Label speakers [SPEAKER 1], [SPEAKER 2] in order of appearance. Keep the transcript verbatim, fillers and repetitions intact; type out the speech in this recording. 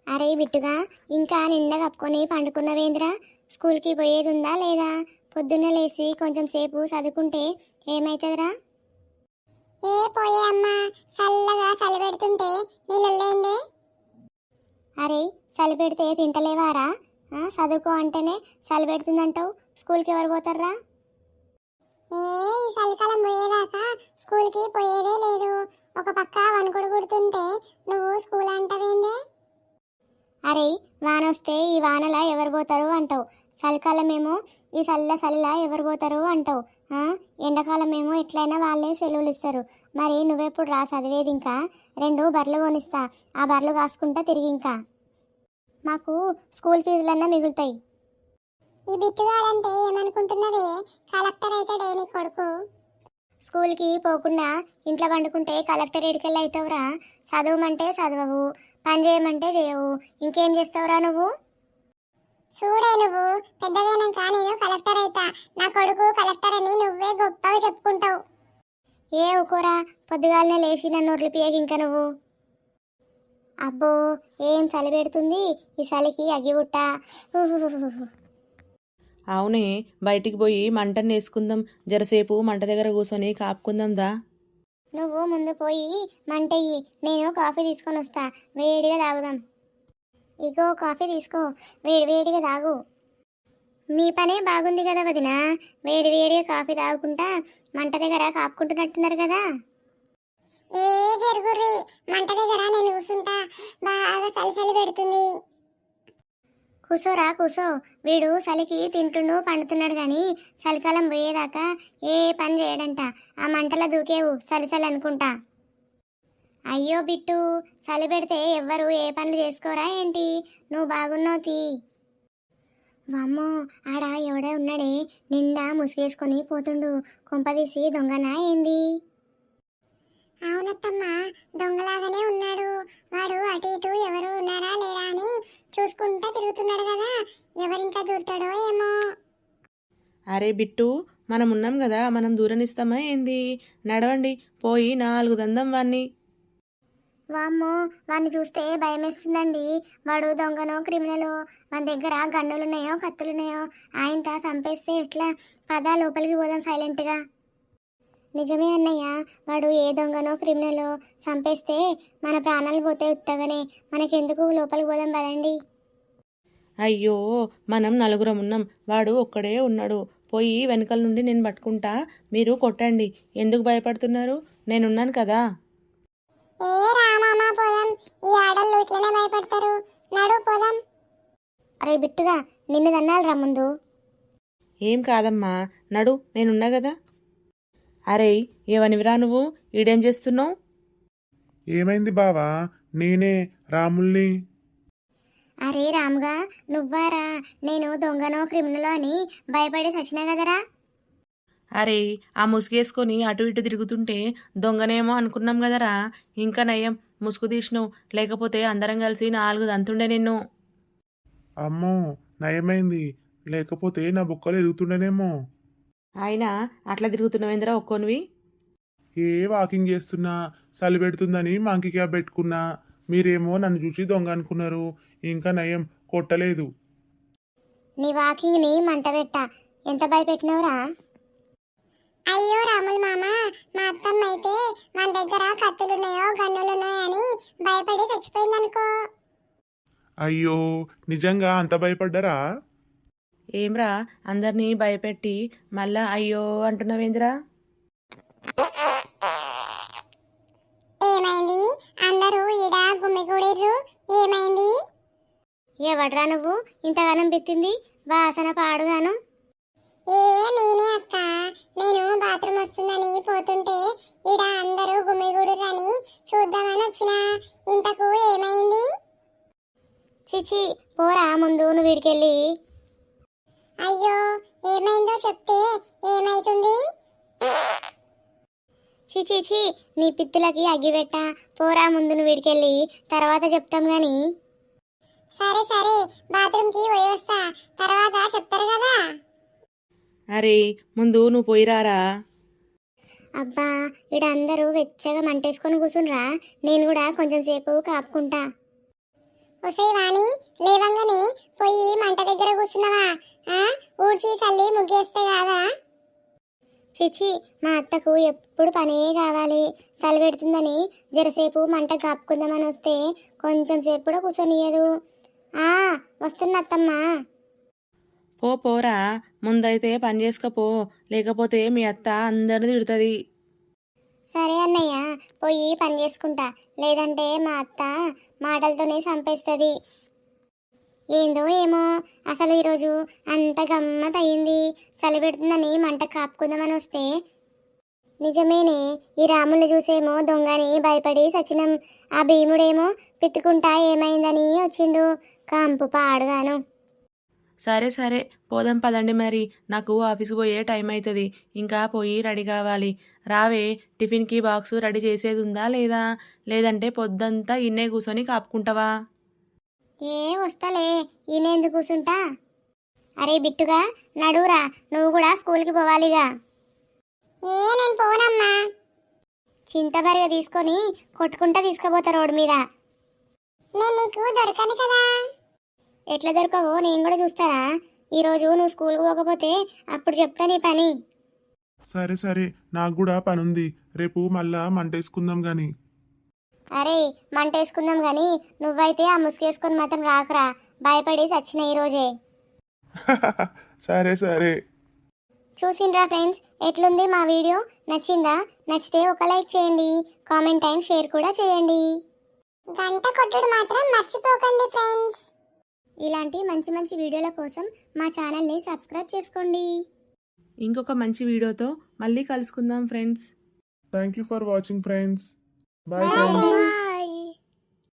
[SPEAKER 1] అరే బిట్టుగా ఇంకా నిండా కప్పుకొని పండుకున్నవేంద్రా? స్కూల్కి పోయేది ఉందా లేదా? పొద్దున్న లేచి కొంచెం సేపు చదువుకుంటే ఏమైతుందిరా?
[SPEAKER 2] ఏ పోయే అమ్మా, చల్లగా చలి పెడుతుంటే నీళ్ళలేందే.
[SPEAKER 1] అరే చలి పెడితే తింటలేవారా? ఆ, చదువుకో అంటేనే చలి పెడుతుందంటావు. స్కూల్కి ఎవరు పోతారా?
[SPEAKER 2] ఏ ఈ చలికాలం పోయేదాకా స్కూల్కి పోయేదే లేదు. ఒక పక్క వణుకుడు కుడుతుంటే నువ్వు స్కూల్ అంటావేందే?
[SPEAKER 1] అరే వాన వస్తే ఈ వానలా ఎవరు పోతారు అంటావు. చలికాలమేమో ఈ చల్ల చల్ల ఎవరు పోతారు అంటావు. ఎండాకాలమేమో ఎట్లయినా వాళ్ళే సెలవులు ఇస్తారు. మరి నువ్వెప్పుడు రా చదివేది? ఇంకా రెండు బర్రెలు కొనిస్తా, ఆ బర్రెలు కాసుకుంటా తిరిగి. ఇంకా మాకు స్కూల్ ఫీజులన్నా మిగులుతాయి.
[SPEAKER 2] ఈ బిట్టుగాడంటే ఏమనుకుంటున్నావే? కలెక్టర్ అవుతాడే నీ కొడుకు.
[SPEAKER 1] స్కూల్కి పోకుండా ఇంట్లో వండుకుంటే కలెక్టర్ ఎడికెళ్ళి అవుతావురా? చదవమంటే చదవవు, పని చేయమంటే చేయవు, ఇంకేం చేస్తావురా నువ్వు?
[SPEAKER 2] చూడే నువ్వు పెద్దగైనాక నేను కలెక్టర్ అవుతా, నా కొడుకు కలెక్టర్ అని నువ్వే గొప్పగా చెప్పుకుంటావు.
[SPEAKER 1] ఏ ఊకోరా, పొద్దుగాలనే లేచి నన్ను ఉర్లిపియకి ఇంకా నువ్వు. అబ్బో ఏం చలి పెడుతుంది ఈ చలికి అగ్గిబుట్ట.
[SPEAKER 3] అవునే, బయటికి పోయి మంటను వేసుకుందాం. జరసేపు మంట దగ్గర కూర్చొని కాపుకుందాం దా.
[SPEAKER 1] నువ్వు ముందు పోయి మంటయ్యి, నేను కాఫీ తీసుకొని వస్తా, వేడిగా తాగుదాం. ఇగో కాఫీ తీసుకో, వేడి వేడిగా తాగు. మీ పనే బాగుంది కదా వదినా, వేడి వేడిగా కాఫీ తాగుకుంటా మంట దగ్గర కాపుకుంటున్నట్టున్నారు కదా.
[SPEAKER 2] ఏ జరుగుర్రి, మంట దగ్గర నేను కూర్చుంటా, బాగా చలి చలి పెడుతుంది.
[SPEAKER 1] కూసోరా కూసో, వీడు చలికి తింటుండు పండుతున్నాడు కానీ చలికాలం పోయేదాకా ఏ పని చేయడంట. ఆ మంటల దూకేవు చలి చలి అనుకుంటా. అయ్యో బిట్టు, చలి పెడితే ఎవ్వరు ఏ పనులు చేసుకోరా ఏంటి? నువ్వు బాగున్నావు తీ. వామ్మో, ఆడ ఎవడే ఉన్నాడే నిండా ముసుగేసుకొని పోతుండు, కొంపదీసి దొంగనా ఏంది?
[SPEAKER 2] అవునత్తమ్మ, దొంగలాగానే ఉన్నాడు. వాడు అటు ఇటు ఎవరు ఉన్నారా లేరా అని చూసుకుంటా తిరుగుతున్నాడు కదా, ఎవరింట్లో దూరుతాడో ఏమో.
[SPEAKER 3] అరే బిట్టు, మనం ఉన్నాం కదా, మనం దూరనిస్తామా ఏంది? నడవండి, పోయి నాలుగు దందం వాన్ని.
[SPEAKER 1] వామ్మో, వాడిని చూస్తే భయం వేస్తుందండి. వాడు దొంగనో క్రిమినలో, మన దగ్గర గన్నులున్నాయో కత్తులున్నాయో, ఆయనతో చంపేస్తే ఎట్లా? పదా లోపలికి పోదాం సైలెంట్గా. నిజమే అన్నయ్య, వాడు ఏ దొంగనో క్రిమినలో చంపేస్తే మన ప్రాణాలు పోతే ఉత్తగానే, మనకెందుకు? లోపలికి పోదాం పదండి.
[SPEAKER 3] అయ్యో, మనం నలుగురం ఉన్నాం, వాడు ఒక్కడే ఉన్నాడు. పోయి వెనకాల నుండి నేను పట్టుకుంటా, మీరు కొట్టండి. ఎందుకు భయపడుతున్నారు? నేనున్నాను కదా.
[SPEAKER 2] ఏ రామామా పోదాం, ఈ ఆడళ్ళు ఇట్లనే భయపడతారు, నడు పోదాం.
[SPEAKER 1] అరే బిట్టుగా, నిన్ను దన్నాలరా ముందు.
[SPEAKER 3] ఏం కాదమ్మా, నడు, నేనున్నా కదా. అరే ఏవనివిరా నువ్వు, ఈడేం చేస్తున్నావు?
[SPEAKER 4] ఏమైంది బావా? నేనే రాముల్ని.
[SPEAKER 1] అరే రాముగా, నువ్వారా? నేను దొంగనో క్రిమినలో అని భయపడి చచ్చినా కదరా.
[SPEAKER 3] అరే ఆ ముసుగేసుకొని అటు ఇటు తిరుగుతుంటే దొంగనేమో అనుకున్నాం కదరా. ఇంకా నయ్యం ముసుగు తీసినావు, లేకపోతే అందరం కలిసి నాలుగు దంతుండే నిన్ను.
[SPEAKER 4] అమ్మో, నయమైంది, లేకపోతే నా బుక్కలు ఎరుగుతుండేనేమో.
[SPEAKER 3] అయినా అట్లా తిరుగుతున్నావేంద్రా ఒక్కోనివి?
[SPEAKER 4] ఏ వాకింగ్ చేస్తున్నా, చలి పెడుతుందని మంకీ క్యాప్ పెట్టుకున్నా. మీరేమో నన్ను చూసి దొంగ అనుకున్నారు. ఇంకా నయం, కొట్టలేదు.
[SPEAKER 1] నీ వాకింగ్ని మంట పెట్ట, ఎంత భయపెట్టినవురా?
[SPEAKER 2] అయ్యో రాముల మామ, మా అత్తమ్మ అయితే మన దగ్గర కత్తులున్నాయో గన్నులున్నాయో అని భయపడి చచ్చిపోయిందనుకో.
[SPEAKER 4] అయ్యో, నిజంగా అంత భయపడ్డరా?
[SPEAKER 3] ఏమ్రా అందరినీ భయపెట్టి మళ్ళా అయ్యో అంటున్నావేంద్రా?
[SPEAKER 2] ఏమైంది? అందరూ ఈడ గుమ్మిగూడిర్రు, ఏమైంది?
[SPEAKER 1] ఎవడ్రా నువ్వు ఇంతగానం పెట్టింది? వాసన పాడుగాను.
[SPEAKER 2] ఏ నేనే అక్క, నేను బాత్రూమ్ వస్తుందని పోతుంటే ఈడ అందరూ గుమ్మిగూడురని చూద్దామని వచ్చిన. ఇంతకు ఏమైంది?
[SPEAKER 1] చిచి పోరా ముందు నువ్వు వీడికెళ్ళి.
[SPEAKER 2] అయ్యో, ఏమైందో చెప్తే ఏమైతుంది?
[SPEAKER 1] చిచి చి, నీ పిత్తులకి అగ్గిపెట్ట, పోరా ముందు నువ్వు వీడికెళ్ళి, తర్వాత చెప్తాం గాని.
[SPEAKER 2] సరే సరే, బాత్రూమ్కి పోయి వస్తా, తర్వాత చెప్తారు కదా.
[SPEAKER 3] అరే ముందు నువ్వు పోయిరారా.
[SPEAKER 1] అబ్బా, ఇక్కడ అందరూ వెచ్చగా మంటేసుకొని కూర్చుండ్రా, నేను కూడా కొంచెం సేపు కాపుకుంటా.
[SPEAKER 2] ఒసే వాణి లేవంగానే పోయి మంట దగ్గర కూర్చున్నావా? ఆ ఊడ్చి చల్లి ముగ్గేస్తే కాదా?
[SPEAKER 1] చిచి మా అత్తకు ఎప్పుడు పనే కావాలి. చలి పెడుతుందని జరసేపు మంట కాపుకుందామని వస్తే కొంచెం సేపు కూడా కూర్చొనియదు. ఆ వస్తున్న అత్తమ్మా.
[SPEAKER 3] పో పోరా, ముందైతే పని చేసుకపో, లేకపోతే మీ అత్త అందరిని తిడుతుంది.
[SPEAKER 1] సరే అన్నయ్య, పోయి పని చేసుకుంటా, లేదంటే మా అత్త మాటలతోనే చంపేస్తుంది. ఏందో ఏమో అసలు ఈరోజు అంత గమ్మత్ అయింది. చలి పెడుతుందని మంట కాపుకుందామని వస్తే నిజమేనే, ఈ రాములు చూసేమో దొంగని భయపడి సచినం. ఆ భీముడేమో పిత్తుకుంటా ఏమైందని వచ్చిండు. కాంపు పాడుగాను.
[SPEAKER 3] సరే సరే పోదాం పదండి, మరి నాకు ఆఫీస్కి పోయే టైం అవుతుంది. ఇంకా పోయి రెడీ కావాలి. రావే, టిఫిన్కి బాక్సు రెడీ చేసేది ఉందా లేదా? లేదంటే పొద్దంతా ఇన్నే కూర్చొని కాపుకుంటావా?
[SPEAKER 1] ఏ వస్తలే, ఈయనెందుకు కూర్చుంటా. అరే బిట్టుగా నడువురా, నువ్వు కూడా స్కూల్కి పోవాలిగా.
[SPEAKER 2] ఏ నేను పోనమ్మా.
[SPEAKER 1] చింతబరిగా తీసుకొని కొట్టుకుంటా తీసుకుపోతా రోడ్డు మీద.
[SPEAKER 2] నేను నీకు దొరకను కదా.
[SPEAKER 1] ఎట్లా దొరకవో నేను కూడా చూస్తారా. ఈరోజు నువ్వు స్కూల్కి పోకపోతే అప్పుడు చెప్తా నీ పని.
[SPEAKER 4] సరే సరే, నాకు కూడా పనుంది. రేపు మళ్ళా మంటేసుకుందాం గాని.
[SPEAKER 1] అరే మంట వేసుకుందాం కానీ నువ్వైతే ఆ ముసుగేసుకొని మాత్రం రాకురా, భయపడి చచ్చిన ఈరోజే.
[SPEAKER 4] సరే సరే.
[SPEAKER 1] చూసిండ్రా ఫ్రెండ్స్, ఎట్లుంది మా వీడియో? నచ్చిందా? నచ్చితే ఒక లైక్ చేయండి, కామెంట్ అండ్ షేర్ కూడా చేయండి.
[SPEAKER 2] గంట కొట్టుడు మాత్రం మర్చిపోకండి ఫ్రెండ్స్.
[SPEAKER 1] ఇలాంటి మంచి మంచి వీడియోల కోసం మా ఛానల్ని సబ్స్క్రైబ్ చేసుకోండి.
[SPEAKER 3] ఇంకొక మంచి వీడియోతో మళ్ళీ కలుసుకుందాం friends.
[SPEAKER 4] Thank you for watching friends. Bye
[SPEAKER 2] Bye.
[SPEAKER 4] Friends.